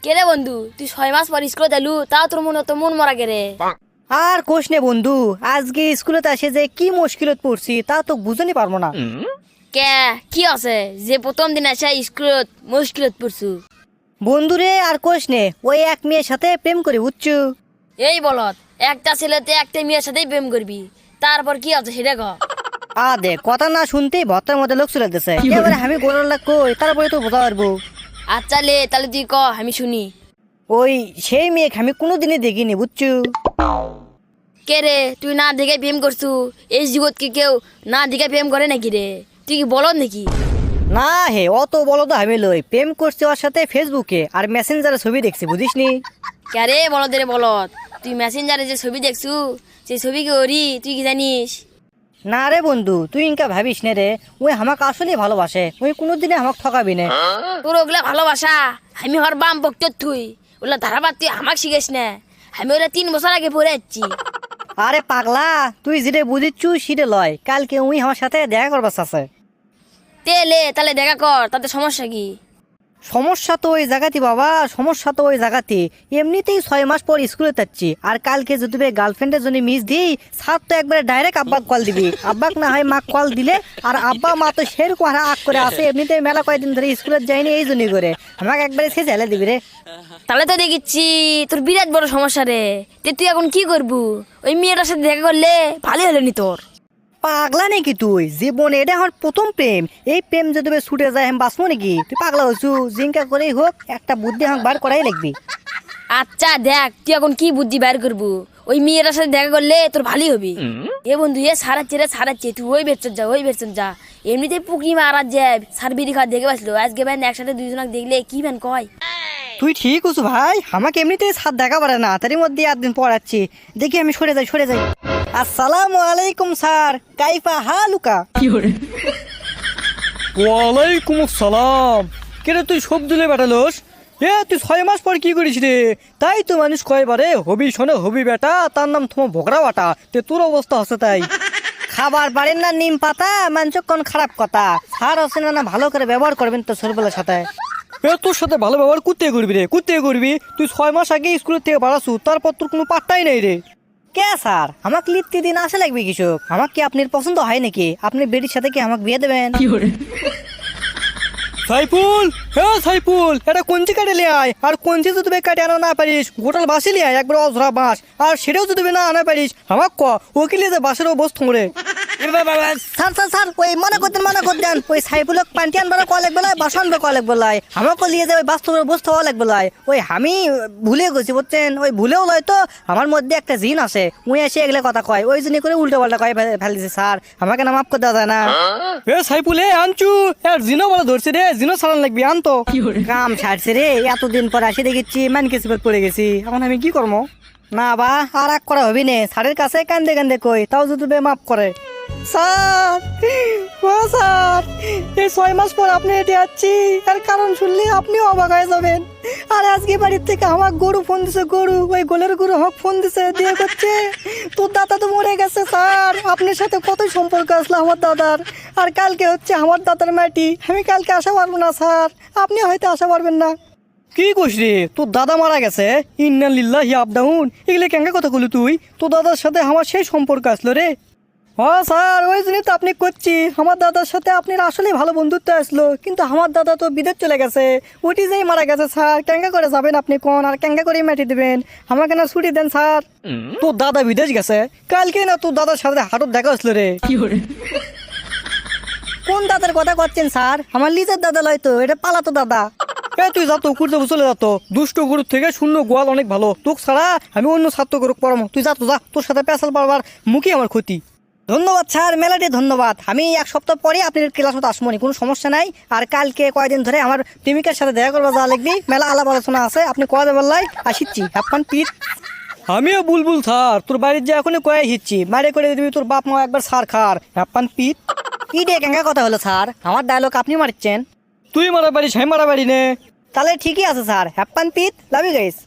কে রে বন্ধু, তুই 6 মাস পর স্কুলে এলু, তাও তোর মন মরা কে রে? আর কোষ নে বন্ধু, আজকে স্কুলেতে আসে যে কি মুশকিলত পড়ছি তা তো বুঝতে পারবো না। কে কি আছে যে প্রথম দিন এসে স্কুলত মুশকিলত পড়ছু? বন্ধুরে আর কোষ নে, ওই এক মেয়ের সাথে প্রেম করে বুঝছু। এই বলত, একটা ছেলেতে একটা মেয়ের সাথেই প্রেম করবি, তারপর কি আছে সেটা ক। দে কথা না শুনতেই ভর্তার মধ্যে লোক চলে দিছে, এবারে আমি গোলার লাগ কই তারপরে তো বোঝা পারবো। আচ্ছা লে, তাহলে তুই ক, আমি শুনি। ওই সেই মেয়েকে আমি কোনোদিনই দেখিনি বুঝছু। কে রে, তুই না দেখে প্রেম করছু? এই জগৎ কি কেউ না দেখে প্রেম করে নাকি রে? তুই কি বলত নাকি? না হে, অত বলো তো আমি লই, প্রেম করছি ওর সাথে ফেসবুকে আর মেসেঞ্জারে ছবি দেখছি বুঝিসনি। কে রে বলত রে বলত, তুই মেসেঞ্জারে যে ছবি দেখছু সেই ছবি কি ওরি তুই কি জানিস? না রে বন্ধু, তুই ইনকা ভাবিস নে রে, ওই আমাকে আসলেই ভালোবাসে, ওই কোনোদিনে আমাকে ঠকাবি না। তোর ওগুলা ভালোবাসা, আমি হর বাম বক্ত তুই ওগুলা ধারাবাদ তুই আমাকে শিখেস না। আমি ওরা 3 বছর আগে পড়ে যাচ্ছি। আরে পাগলা, তুই যেটা বুঝিচ্ছু সেটা লয়, কালকে উই আমার সাথে দেখা করবার আছে। তেলে তাহলে দেখা কর, তাতে সমস্যা কি? সমস্যা তো ওই জায়গাতে বাবা, সমস্যা তো ওই জায়গাতে। এমনিতেই 6 মাস পর স্কুলে যাচ্ছি, আর কালকে যদি গার্লফ্রেন্ডের জন্য মিস দিই, স্যার তো একবারে ডাইরেক্ট আব্বাক কল দিবি, আব্বাক না হয় মা কল দিলে। আর আব্বা মা তো সেরকম আগ করে আসে, এমনিতেই মেলা কয়েকদিন ধরে স্কুলে যায়নি এই জন্যই করে আমাকে একবারে সে ঝেলে দিবি রে। তাহলে তো দেখিচ্ছি তোর বিরাট বড় সমস্যা রে। তে তুই এখন কি করবু? ওই মেয়েটার সাথে দেখা করলে ভালোই হলো নি তোর। পাগলা নাকি তুই? জীবনে এটা আমার প্রথম প্রেম, এই প্রেম যদি ছুটে যায় আমি বাঁচবো নাকি? তুই পাগলা হচ্ছু, জিঙ্কা করেই হোক একটা বুদ্ধি আমাকে বার করাই লাগবি। আচ্ছা দেখ, তুই এখন কি বুদ্ধি বের করবু? ওই মেয়েটার সাথে দেখা করলে তোর ভালোই হবে। এ বন্ধু, এ সারাচ্ছে রে সারাচ্ছে, তুই ওই বেরচন যা, ওই বেরচন যা। এমনিতে পুকুরি মারা যায়, সার বিড়ি খাওয়া দেখে পাচ্ছিল, আজকে ব্যান একসাথে দুইজনকে দেখলে কি ব্যান কয়। তুই ঠিক আছো ভাই, আমাকে এমনিতেই সাথ দেখা পারে না, তারই মধ্যে 8 দিন পড়াচ্ছি। দেখি আমি সরে যাই। আসসালামু আলাইকুম স্যার, কাইফা হালুকা? ওয়ালাইকুম আসসালাম। কেরে তুই সব দিলে বেটালোস? তুই 6 মাস পর কি করিস রে? তাই তো মানুষ কয় বারে হবি শোনে হবি বেটা, তার নাম তোমার ভোগরা বাটা। তে তোর অবস্থা হচ্ছে তাই। খাবার পারেন না নিম পাতা, মানছ কোন খারাপ কথা। স্যার আছেন না, ভালো করে ব্যবহার করবেন তো ছোটবেলার সাথে। তোর সাথে ভালো ব্যবহার করতে করবি রে, করতে করবি। তুই 6 মাস আগে স্কুলের থেকে বাড়াছু, তারপর তোর কোনো পাত্তাই নেই রে। কে স্যার, আমাকে লিখতে দিন আসে লাগবে কৃষক? আমাকে কি আপনার পছন্দ হয় নাকি? আপনি বেটির সাথে কি আমাকে বিয়ে দেবেন? সাইফুল, সাইফুল, এটা কঞ্চি কাটে লিয়ে আয়। আর কঞ্চি যদি কাটে আনা না পারিস, গোটাল বাসি লিয়ে আয়, একবার অজরা বাঁশ। আর সেটাও যদি না আনা পারিস, আমার ওকে লিয়ে যে বাসের অবস্থা রে। স্যার ওই মনে করতেন ওই সাইফুলক পান্টি আনবার কলেক বেলায়, বাসন কলেক বেলায়, আমাকে নিয়ে যাবে বাস্তবের বস্তু হওয়া লাগবে লাই। ওই আমি ভুলে গেছি বুঝছেন, ওই ভুলেও লয় তো আমার মধ্যে একটা জিন আছে, উই এসে এগুলো কথা কয়, ওই জন্য করে উল্টো পাল্টা কয় ফেলেছে স্যার, আমাকে না মাফ করে দেওয়া যায় না? সাইফুল, আনছু আর জিনো বলে ধরছে রে, জিনো সারান লাগবি, আনতো। কাম ছাড়ছে রে, এতদিন পর আসি দেখেছি মান কিছু পড়ে গেছি, এখন আমি কি করবো? না বা আর এক করা হবি নে, স্যারের কাছে কান্দে কই, তাও যদি মাফ করে। স্যার, ও স্যার, এই 6 মাস পর আপনি এটি যাচ্ছি, আর কারণ শুনলে আপনিও অবাক হয়ে যাবেন। আর আজকে বাড়ির থেকে আমার গরু ফোন দিছে, ওই গোলের গরু হক ফোন দিছে, দিয়ে করছে তোর দাদা তো মরে গেছে স্যার, আপনার সাথে কতই সম্পর্ক আসলো আমার দাদার। আর কালকে হচ্ছে আমার দাদার মাটি, আমি কালকে আসা পারবো না স্যার, আপনি হয়তো আসা পারবেন না। কি কইস রে, তোর দাদা মারা গেছে? ইন্না লিল্লাহি আপ ডাউন, এগুলো কেঙ্গা কথা কইলি তুই? তোর দাদার সাথে আমার সেই সম্পর্ক আসলো রে। হ্যাঁ স্যার, ওই জন্যই তো আপনি করছি, আমার দাদার সাথে আপনার আসলেই ভালো বন্ধুত্ব আসলো, কিন্তু আমার দাদা তো বিদেশ চলে গেছে, ওটি যেই মারা গেছে স্যার, কেঙ্গা করে যাবেন আপনি কোন, আর কেঙ্গা করে মাটি দেবেন? আমাকে না ছুটি দেন স্যার। তোর দাদা বিদেশ গেছে? কালকে না তোর দাদার সাথে হাটত দেখা আসলো রে। কোন দাদার কথা করছেন স্যার? আমার লিজের দাদা লয় তো, এটা পালাতো দাদা। তুই যা তো কুড়তে চলে যা তো, দুষ্ট গরুর থেকে শূন্য গোয়াল অনেক ভালো। তোকে ছাড়া আমি অন্য ছাত্র গরুক পড়াবো, তুই যা তো যা, তোর সাথে পেশাল পারবার মুখই আমার ক্ষতি। ধন্যবাদ স্যার, মেলাটি ধন্যবাদ। আমি 1 সপ্তাহ পরে আপনার ক্লাস মতো আসবো, কোনো সমস্যা নাই। আর কালকে কয়দিন ধরে আমার প্রেমিকার সাথে দেখা করবা যাওয়া লাগবি, মেলা আলাপ আলোচনা আছে, আপনি কয়া দেবার লাই আসিচ্ছি, হ্যাপান পিট। আমিও বুলবুল স্যার, তোর বাড়ির যে এখনই কয়ে হিচ্ছি, মারে করে দিবি তোর বাপ মা একবার সার খার, হ্যাপান পিট। কি ডে কেঙ্গা কথা হলো স্যার? আমার ডায়লগ আপনি মারছেন? তুই মারা বাড়ি, সাই মারা বাড়ি নে। তাহলে ঠিকই আছে স্যার, হ্যাপান পিট, লাভ ইউ গাইস।